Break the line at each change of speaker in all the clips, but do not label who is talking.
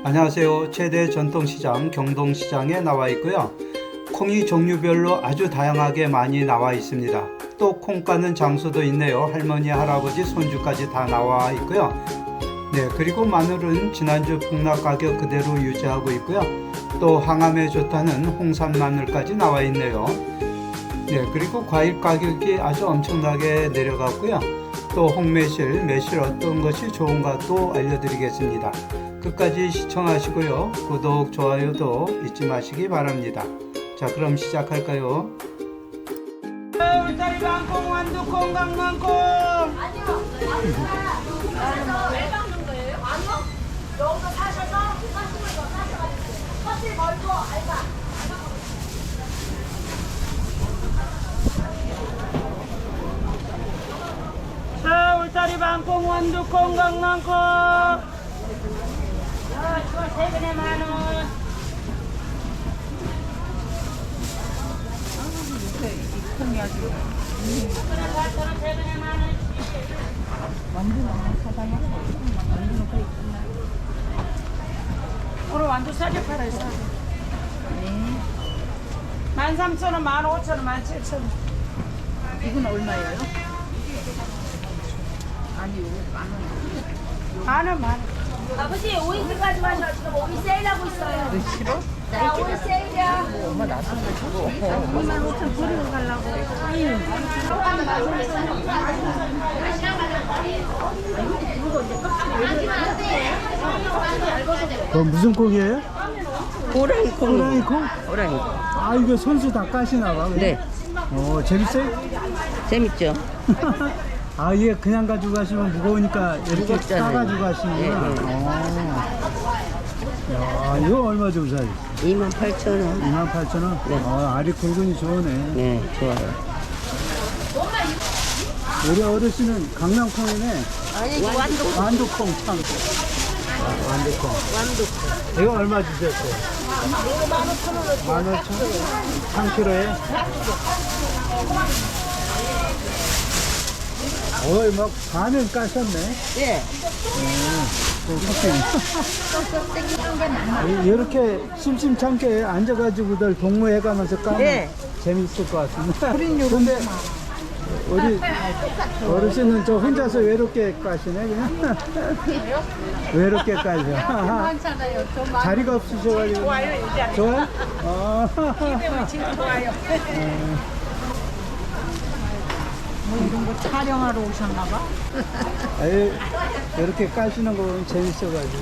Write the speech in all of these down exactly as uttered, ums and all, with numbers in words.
안녕하세요. 최대 전통시장 경동시장에 나와 있고요. 콩이 종류별로 아주 다양하게 많이 나와 있습니다. 또 콩 까는 장소도 있네요. 할머니, 할아버지, 손주까지 다 나와 있고요. 네, 그리고 마늘은 지난주 폭락 가격 그대로 유지하고 있고요. 또 항암에 좋다는 홍산 마늘까지 나와 있네요. 네, 그리고 과일 가격이 아주 엄청나게 내려갔고요. 또 홍매실, 매실 어떤 것이 좋은가 또 알려드리겠습니다. 끝까지 시청하시고요. 구독, 좋아요도 잊지 마시기 바랍니다. 자, 그럼 시작할까요? 울타리 방콩, 완두콩, 강낭콩.
아니요. 아니요. 왜 박는 거예요? 아니요. 여기서 사셔서 사시는 거 사셔가지고 커피 걸고 알바.
자, 울타리 방콩, 완두콩, 강낭콩. 자, 이거 세 근에 만 원. 이 콩이 아주. 그래, 팔천 원, 세 근에 만 원. 완두는 사다가 완두는 거의 끝나. 오늘 완두 싸게 팔아요, 싸게. 네. 만 삼천 원, 만 오천 원, 만 칠천 원. 이건 얼마예요? 아니요, 만 원. 만 원, 만 원.
아버지 오이스 가져가셔. 지금 오이 세일하고 있어요.
너 싫어?
자, 오이 세일이야.
엄마 나도 주고. 이만 오천 버리고 가려고.
어, 무슨 콩이에요?
호랑이 콩.
호랑이 콩?
호랑이.
아, 이거 손수 다 까시나 봐.
네,
어, 재밌어요?
재밌죠?
아, 이게 그냥 가지고 가시면 무거우니까 이렇게
무겁잖아요.
싸가지고 가시는구나.
네, 네.
어. 야, 이거 얼마 주고 사요?
이만 팔천 원.
이만 팔천 원?
네.
어, 알이 굵으니 좋으네.
네, 좋아요.
우리 어르신은 강낭콩이네.
아니, 완두.
완두콩 참. 아, 완두콩.
완두.
이거 얼마 주셨어요? 만 오천 원. 만 오천 원? 삼 킬로에? 어이, 막 반은 까셨네.
예.
이렇게 심심찮게 앉아가지고들 동무해가면서 까면
네.
재밌을 것 같습니다. 근데 우리 어르신은 저 혼자서 외롭게 까시네 그냥. 외롭게 까죠. 자리가 없으셔가지고. 좋아요, 이제. 좋아요? 어.
지금 좋아요. 뭐 이런 거 촬영하러 오셨나봐?
아유, 이렇게 까시는 거 보면 재밌어가지고.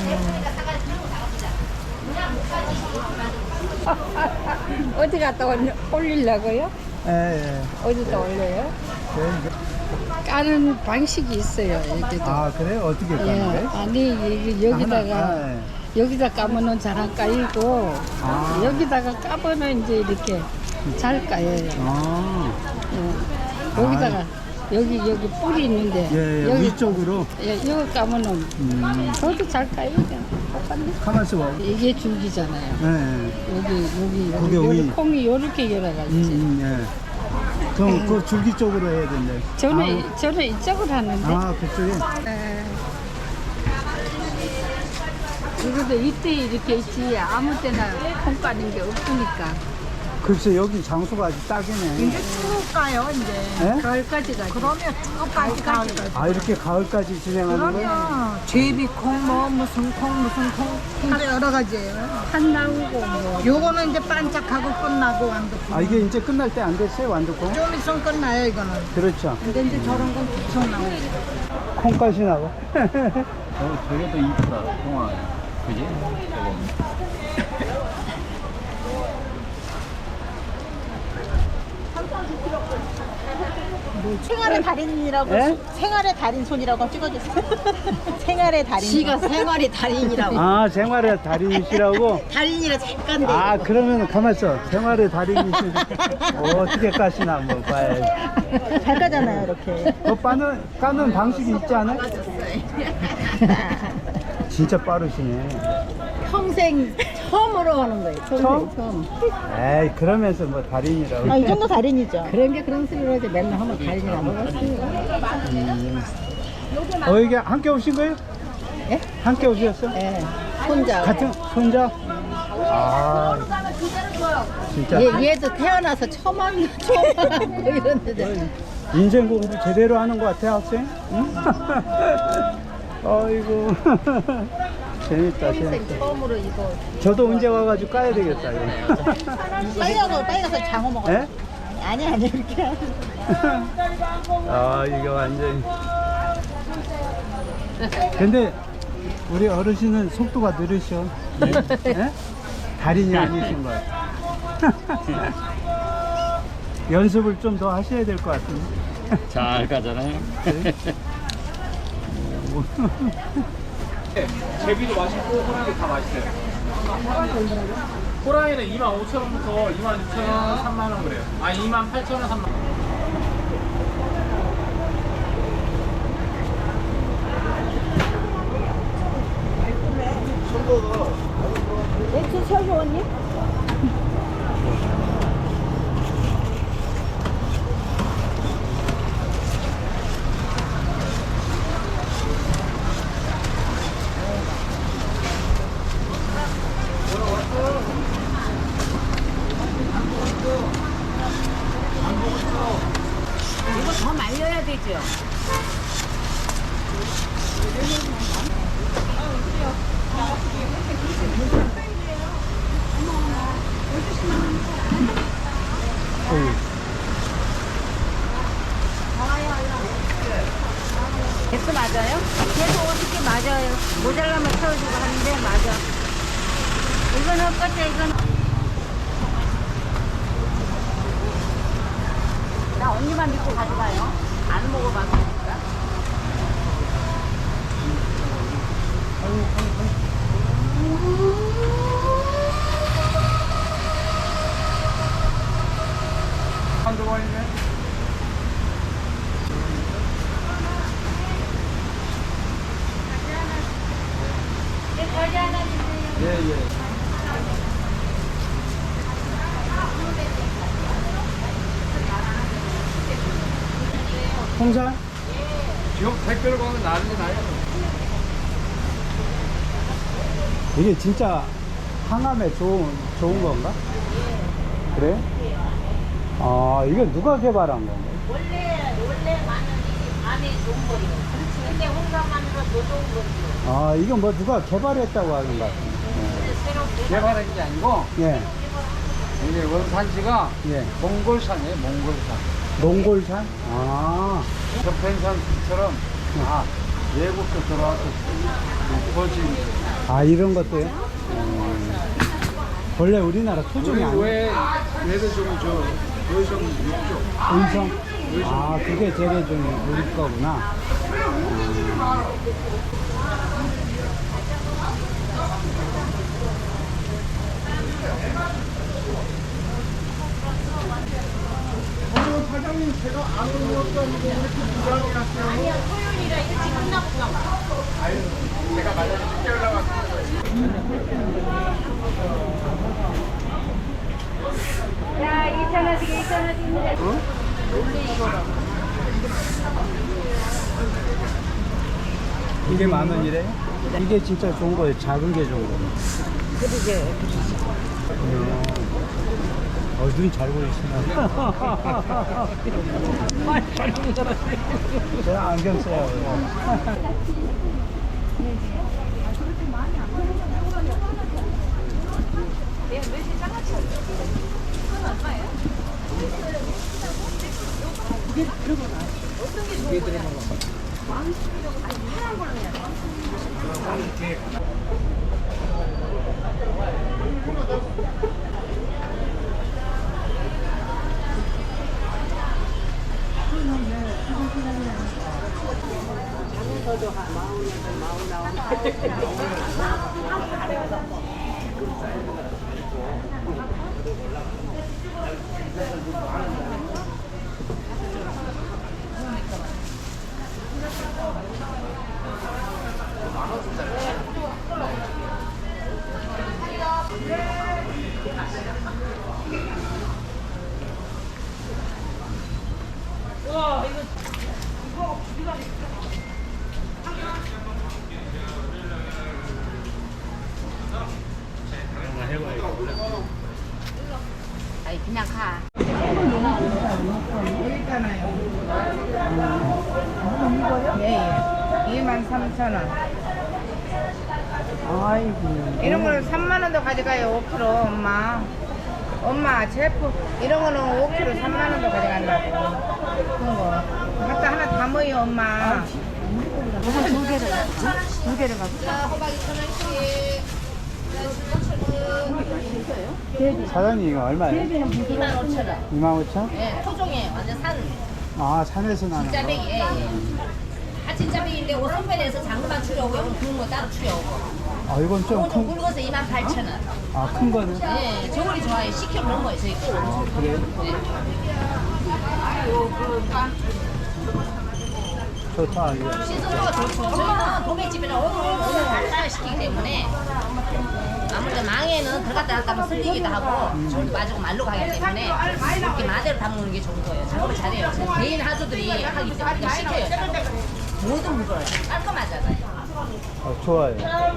어디 갔다 올- 올리려고요?
예, 예.
어디다 올려요?
네.
까는 방식이 있어요, 여기도.
아, 그래요? 어떻게
예,
까는 거예요?
아니, 여기, 여기다가,
아, 예.
여기다 까면은 잘 안 까이고,
아.
여기다가 까면은 이제 이렇게 잘 까여요.
아,
예. 여기다가, 여기, 여기 뿔이 있는데,
예, 예.
여기,
위쪽으로.
예, 여기 까면은,
음,
저도 잘 까요, 그냥. 똑같네.
가만있어 봐.
이게 줄기잖아요.
예, 예.
여기, 여기,
그게
여기,
위.
여기 콩이 요렇게 열어가지고.
음, 음, 예. 그럼 그 줄기 쪽으로 해야 된대.
저는, 저는 이쪽으로 하는데.
아, 아, 그쪽에?
네. 그래도 이때 이렇게 있지 아무 때나 콩 까는 게 없으니까
글쎄, 여기 장소가 아주 딱이네.
이제 쭉 가요 이제
예?
가을까지 가지. 그러면 쭉 가지 가지.
아, 이렇게 가을까지 진행하는 거예요?
제비콩 뭐 무슨 콩 무슨 콩 콩 여러 가지예요. 한 나오고 뭐. 요거는 이제 반짝하고 끝나고 완두콩.
아, 이게 이제 끝날 때 안 됐어요, 완두콩?
좀 있으면 끝나요 이거는.
그렇죠.
근데 이제 저런 건 계속 나오고.
콩까지 나고.
어, 저게 더 이쁘다, 동아. 그지? 저거.
생활의 달인이라고
예?
생활의 달인 손이라고 찍어주세요. 생활의 달인.
지가 생활의 달인이라고.
아, 생활의 달인이시라고?
달인이라 잠깐 돼.
아, 그러면 가만있어. 생활의 달인이시 어떻게 까시나 한번 봐야지.
잘 까잖아요 이렇게.
그 까는, 까는 방식이 있지 않아요? 진짜 빠르시네.
평생 처음으로 하는 거예요. 평생
처음?
처음.
에이, 그러면서 뭐 달인이라고.
아, 이 정도 달인이죠.
그런 게 그런 소리로 이제 맨날 하면 달리나 먹었어요.
어, 이게 함께 오신 거예요?
예?
함께 오셨어?
예.
손자.
같은 손자? 아, 진짜
얘, 얘도 태어나서 처음 한 처음 하고 이러는데.
인생 공부 제대로 하는 것 같아 학생? 응? 아이고 재밌다
평생
재밌다.
처음으로 이거.
저도 언제 와가지고 까야 되겠다 이거.
빨리 가서 빨리 가서 장어 먹어.
예?
아니 아니 이렇게.
아 이게 완전히. 근데 우리 어르신은 속도가 느리셔. 예? 달인이 아니신 것 같아. 연습을 좀 더 하셔야 될 것 같은데.
잘 가잖아요. 제비도 맛있고 호랑이 다 맛있어요. 호랑이는 이만 오천 원부터 이만 육천 원, 삼만 원 그래요. 아 이만 팔천 원, 삼만 원.
맥주 쳐줘 언니?
이거 더 말려야 되죠? 개수 맞아요? 개수 오십 개 맞아요. 모자라면 채워주고 하는데 맞아. 이거는 끝에 이건. 나 언니만 믿고 가져가요. 안 먹어봤으니까.
한두 번이네.
예, 예. 홍산?
지금 택배로 가면 난리 나요.
이게 진짜 항암에 좋은, 좋은 건가? 그래? 아, 이거 누가 개발한 건가?
원래 원래 마늘이 안에 좋은 거예요. 그렇지. 근데 홍삼 마늘은 더 좋은 거죠.
아, 이건 뭐 누가 개발했다고 하는 것 같은데.
새로
개발한 게 아니고
예,
이게 원산지가
예.
몽골산이에요. 몽골산.
몽골산? 아,
저편산처럼 다 외국도 들어와서 거지.
아, 이런 것도요? 음. 원래 우리나라 토종이 아니에요?
왜 얘도 좀저 의성 육조.
의성? 아, 그게 재래종이 우리 거구나.
사장님 제가 아는 것도 아니고 왜 이렇게 부담이 났어요?
아니야 토요일이라 일찍 끝나보다.
제가 말려 늦게 올라왔어요.
야 이천 원씩 이천 원씩인데.
이게 만 원이래? 이게 진짜 좋은 거예요. 작은 게 좋은 거예요.
그러게.
어, 눈 잘 보이시나? 제가 안경 써요.
아니 그냥 가.
예, 예. 이만 삼천 원. 아이고. 이런 거는 삼만 원도 가져가요, 오 킬로그램, 엄마. 엄마, 제품, 이런 거는 오 킬로그램 삼만 원도 가져간다고. 그런 거. 갖다 하나 담아요, 엄마.
두 개를 두 개를 갖고. 호박 이천 원씩.
사장님 이거 얼마예요?
이만 오천 원.
이만 오천?
예, 토종이에요. 완전 산.
아 산에서 나는 거.
진짜배기. 예, 예. 아 진짜배기인데 오 선별해서 장금만 추려오고 이건 구운 거 따로 추려오고.
아 이건
이건 좀
좀큰
굵어서 이만 팔천 원.
아, 큰 거는?
예, 저걸이 좋아요. 시켜 그런 거예요. 저희 거.
아, 그래요? 좋다, 이거.
신선도가 좋죠. 저희는 도매집이나 오늘 오늘 닭살 시키기 때문에 아무래도 망에는 들어갔다 놨다 하면 쓸리기도 하고 저도 맞고 말로 가기 때문에 이렇게 마대로 담그는 게 좋은 거예요. 작업을 잘해요. 개인 하주들이 하기 때문에 그냥 시켜요. 모든 물건을 깔끔하잖아요.
아, 좋아요.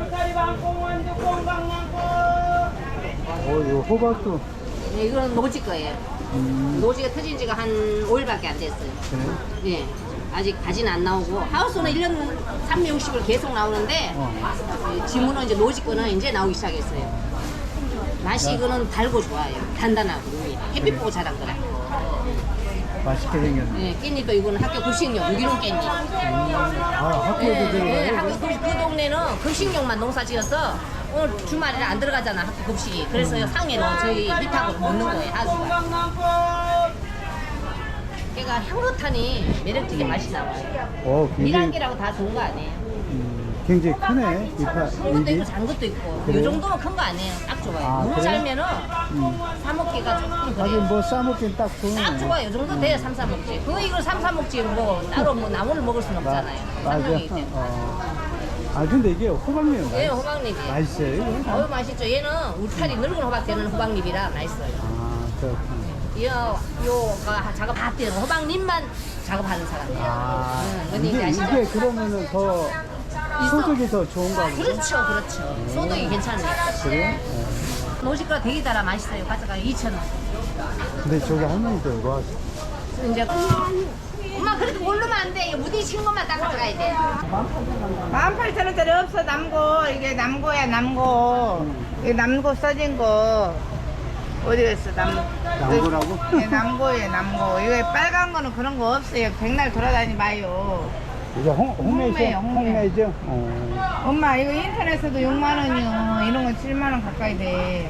어, 이거 호박도.
네, 이건 노지 거예요.
음,
노지가 터진 지가 한 오 일밖에 안 됐어요.
그래?
예. 아직 가지는 안 나오고 하우스는 일 년 삼백육십을 계속 나오는데
어.
지문은 이제 노지 거는 이제 나오기 시작했어요. 맛이 이거는 달고 좋아요. 단단하고 햇빛 보고 자란 거라.
맛있게 생겼네.
예, 깻잎도 이거는 학교 급식용 유기농 깻잎.
아, 학교에도
예, 예,
들어가요?
학교 그, 그 동네는 급식용만 농사 지어서 오늘 주말에는 안 들어가잖아 학교 급식이. 그래서 상해로 저희 밑하고 먹는 거예요 하수가. 걔가 향긋하니 매력적인 맛이 나와요.
어, 굉장히,
미란기라고 다 좋은 거 아니에요.
음, 굉장히 크네. 이파,
큰 것도
입이.
있고 작은 것도 있고
그래요?
이 정도면 큰 거 아니에요. 딱 좋아요.
아,
너무
그래요?
잘면은
음.
사 먹기가 조금
하긴
그래요.
뭐 싸먹긴 딱 좋네.
딱 좋아요. 이 정도 돼야 삼삼 먹지. 그거 이걸 삼삼 먹지 뭐 따로 뭐 나무를 먹을 순 없잖아요.
맞아.
쌍둥이기 때문에.
어. 아, 근데 이게 호박잎
예,
맛있,
호박잎이.
맛있어요, 이거?
어우 맛있죠. 얘는 울타리 늙은 호박 되는 호박잎이라 맛있어요.
아, 그렇구나.
요, 요가 작업 다 뛰는 호박잎만 작업하는 사람이에요.
아,
응, 뭔지
이게,
아시죠?
이게 그러면은 더 소득이 더 좋은가 보죠?
그렇죠, 그렇죠. 소득이 괜찮아요.
그래요? 어.
노지가 되게 달아 맛있어요. 가져가 이천 원.
근데 저기 할머니도 이거
이제 엄마 그래도 모르면 안 돼. 이거 무디친 것만 딱 가져가야 돼.
만 팔천 원짜리 없어, 남고. 이게 남고야, 남고. 이게 남고 써진 거. 어디 갔어, 남
남고라고?
네, 남고예요, 남고. 이거 빨간 거는 그런 거 없어요. 백날 돌아다니 마요.
이게 홍, 홍매죠?
홍매요, 홍매.
홍매죠? 어.
엄마, 이거 인터넷에도 육만 원이요. 이런 건 칠만 원 가까이 돼.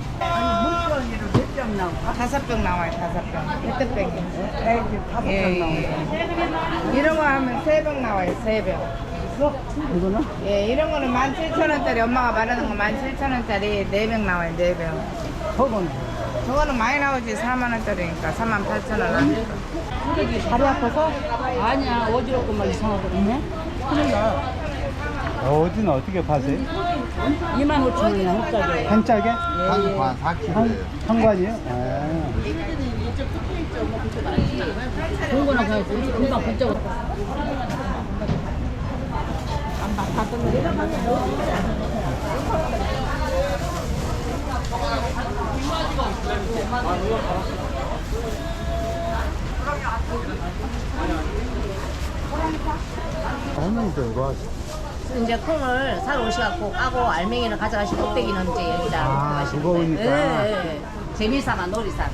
다섯 병 나와요, 다섯 병. 히트병이. 예, 예. 이런 거 하면 세 병 나와요, 세 병.
이거는?
예, 이런 거는 만 칠천 원짜리, 엄마가 말하는 거 만 칠천 원짜리 네 병 나와요, 네 병.
허건.
저거는 많이 나오지, 사만 원짜리니까 삼만 팔천 원.
다리 아파서? 아니야, 어지럽고 막 이상하고 있네. 큰일 나.
어디는 어떻게 파세요?
이만 오천 원이야, 한 짝에.
한 짝에?
한관 사 킬로예요.
한, 한 관이요? 아.
좋은 거나 가야지. 금방 붙잡아.
할머니도 이거 하세요.
이제 콩을 사러 오셔갖고 까고 알맹이는 가져가시고 껍데기는 이제 여기다
아,
놓고 가시는
무거우니까.
거예요. 예, 예. 재미삼아 놀이삼아.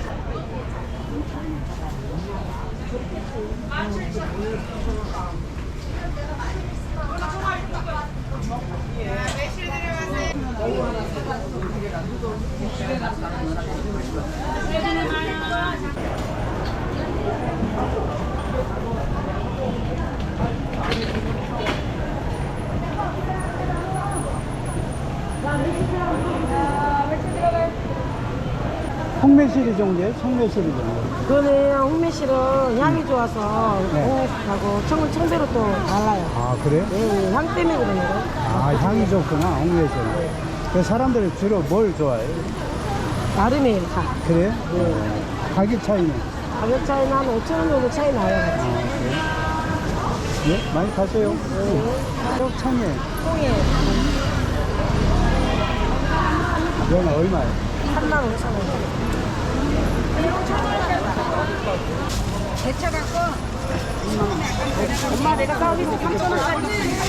홍매실이 종류예요? 청매실이 종류.
그거는 홍매실은 향이 좋아서
네.
홍매실하고 청, 청대로 또 달라요.
아, 그래요?
네, 향 때문에 그러는 거.
아, 향이 좋구나, 홍매실. 그 사람들이 주로 뭘 좋아해요?
나름이에요, 다.
그래요?
네.
가격 차이는?
가격 차이는 한 오천 원 정도 차이 나요,
아,
같이.
그래요? 예? 많이 가세요? 네. 떡창에.
통에
이건 얼마예요?
삼만 오천 원.
대차 갖고
엄마 내가 서비스 삼천 원짜리.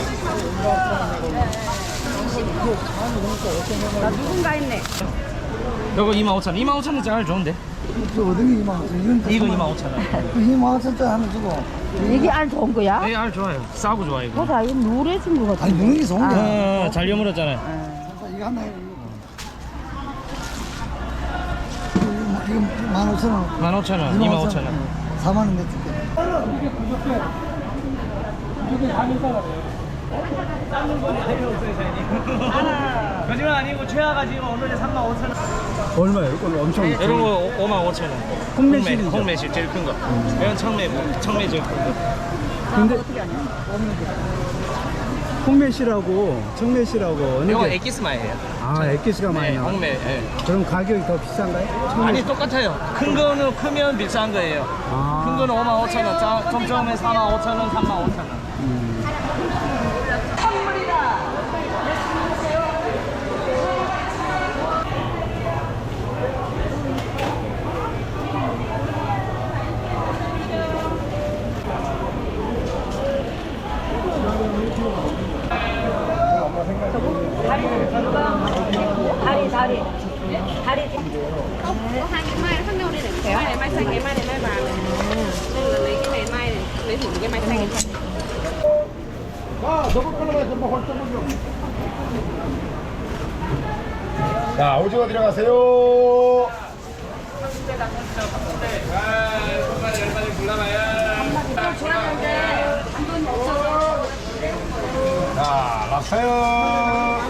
나 누군가 했네.
이거 이만 오천 원. 이만 오천 원짜리 좋은데?
어디 이만 오천
이거 이만 오천 원.
이만 오천짜리 하나 주고.
이게 알 좋은 거야?
네, 알 좋아요. 싸고 좋아 이거.
보다 이거 누래진 거 같아.
아니 누는 게 좋은 거야.
어, 잘 여물었잖아요.
이거 하나 해. 이거 만 오천 원.
만 오천 원, 이만 오천 원.
사만 원 내줄게.
거짓말 아니고 최하가 지금 오늘 삼만 오천 원.
얼마예요? 이건 엄청
이런 거 오만 오천 원.
홍매실이죠?
홍매실 제일 큰 거. 이건 청매고, 청매 제일 큰 거.
근데 홍매실하고 청매실하고 어느
이거
게?
엑기스마예요.
아, 엑기스가 많이
네,
나와.
홍매. 예.
그럼 가격이 더 비싼가요?
아니 똑같아요. 큰 거는 크면 비싼 거예요.
아.
큰 거는 오만 오천 원, 자, 좀 처음에 사만 오천 원, 삼만 오천 원.
다리 다리 다리.
hai cái mai khác nhau đây này. Cái này mai xanh, cái mai này mai vàng này. Nên là lấy cái này mai này, lấy thử cái mai xanh này.
자, 오징어 들어가세요. 자, 랍스타요.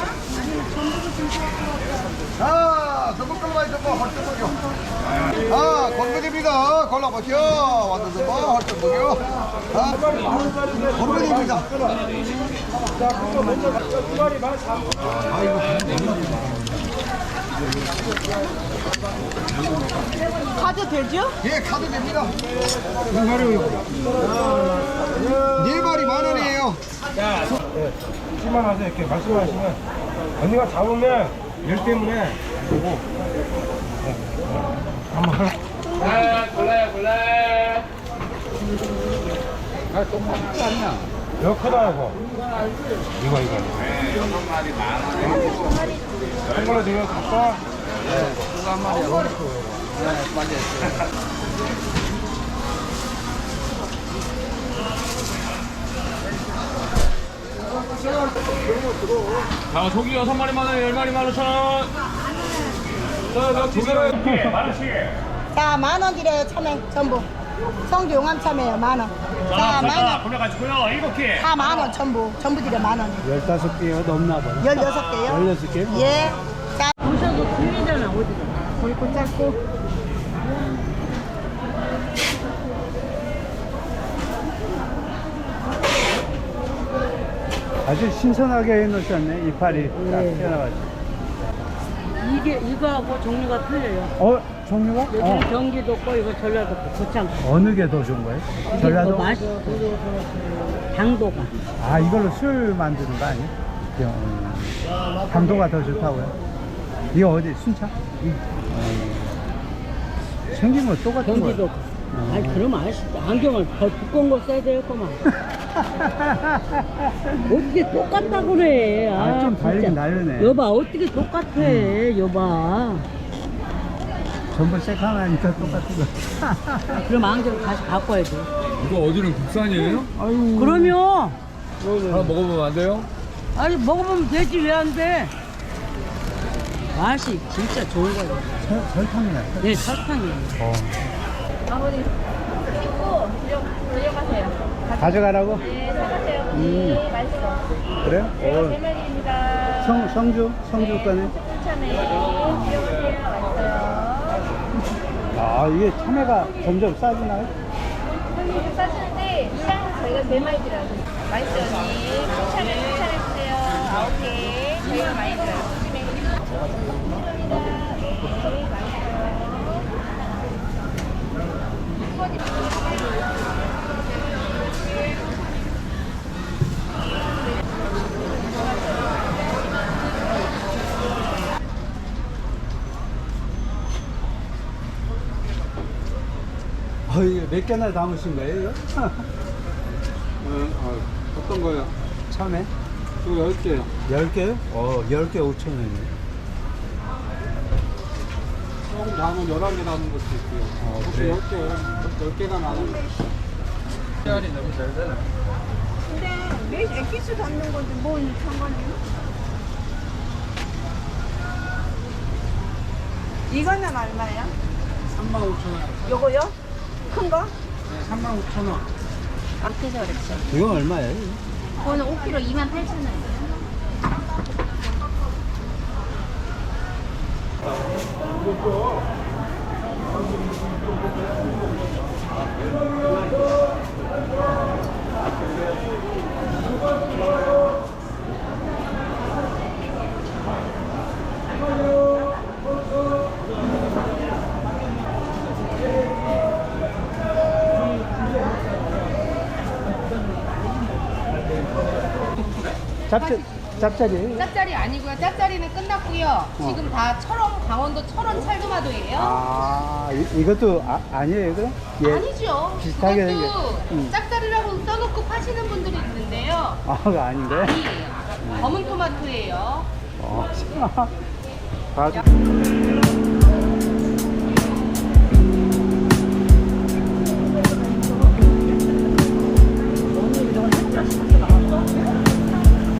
자, 전복 걸어봐요, 전복, 헐전복이요. 아, 건근입니다. 골라보시오. 완전 전복, 헐전복이요. 아, 건근입니다.
카드 되죠?
예, 카드 됩니다. 몇 마리요? 네 마리 만 원이에요.
만 하세요. 이렇게 말씀하시면 언니가 잡으면 열 때문에 안 되고 한번 골라요 골라요 아 똑같냐 이거 크다 이거 이거 이거 한 걸로 지금 갖고 네 한 마리야 네 맞아요.
자, 조기 여섯 마리 만 원, 열 마리 만 오천 원. 자, 자, 두 개로 이렇게 만 원씩.
자, 만 원 드려요, 참외 전부. 성주 용암 참외요, 만 원. 자, 만 원.
골라가지고요, 일곱 개.
다 만 원 전부. 전부 드려 만 원.
열다섯 개가 넘나 봐요.
열여섯 개요?
열여섯 개?
예. 자,
오셔도 들리잖아 어디가.
골고 짧고.
아주 신선하게 해놓으셨네. 이파리 딱 튀어나가지고.
이게 이거하고 종류가 틀려요.
어? 종류가?
여기는
어.
경기도 거 이거 전라도 거 고창.
어느 게 더 좋은 거예요? 전라도?
맛이 당도가.
아, 이걸로 술 만드는 거 아니에요? 어, 당도가 더 좋다고요? 이거 어디? 순창? 어, 생긴 건 똑같은 거예요?
경기도 거. 아니 그럼 아시죠. 안경을 더 두꺼운 거 써야 되겠구만. 어떻게 똑같다 그래.
아, 좀 다르긴
진짜.
다르네.
여봐 어떻게 똑같아. 여봐.
전부 새카마니까 똑같은 거.
그럼 안경 다시 바꿔야 돼.
이거 어디는 국산이에요?
아유.
그러면
하나 먹어보면 안 돼요?
아니 먹어보면 되지 왜 안 돼? 맛이 진짜 좋은 거예요.
설, 설탕이야.
네 설탕이에요.
어.
아버님 찍고 들려, 들려가세요.
가져가라고?
네, 사가세요.
음.
네, 맛있어.
그래요?
제가
어.
제 말입니다.
성, 성주? 성주 거네?
추천해. 들려가세요. 맛있어요.
아, 이게 참외가 점점 싸지나요?
형님 싸주는데 이랑 저희가 네 마리 드려요. 맛있어요, 언니. 추천해, 추천해주세요. 아홉 개. 저희가 많이 드려요. 저희 맛있어요.
어, 이게 몇 개나 담으신 거예요, 이거?
어, 어, 어떤 거요?
참외?
이거 열 개요.
열 개요? 어, 열 개 오천 원이에요.
조금 담으면 열한 개 담은 것도 있고요.
어,
혹시
그래요?
열 개, 열 개가 많은 씨알이 너무 잘 되네.
근데 매 액기스 담는 건데 뭔 상관이요? 이거는 얼마예요?
삼만 오천 원.
요거요? 큰 거?
네, 삼만 오천 원.
어때서 그렇죠?
이건 얼마예요?
그거는 오 킬로그램 이만 팔천 원이에요.
짭짤, 짭짤이에요?
짭짜리 아니고요. 짭짜리는 끝났고요. 지금 다 철원, 강원도 철원 찰도마도예요.
아, 이, 이것도 아, 아니에요, 그럼? 예.
아니죠.
비슷하게
그것도
생겼- 음.
짭짜리라고 써놓고 파시는 분들이 있는데요.
아, 그거 아닌가요?
아니에요. 검은 토마토예요.
어, 봐도.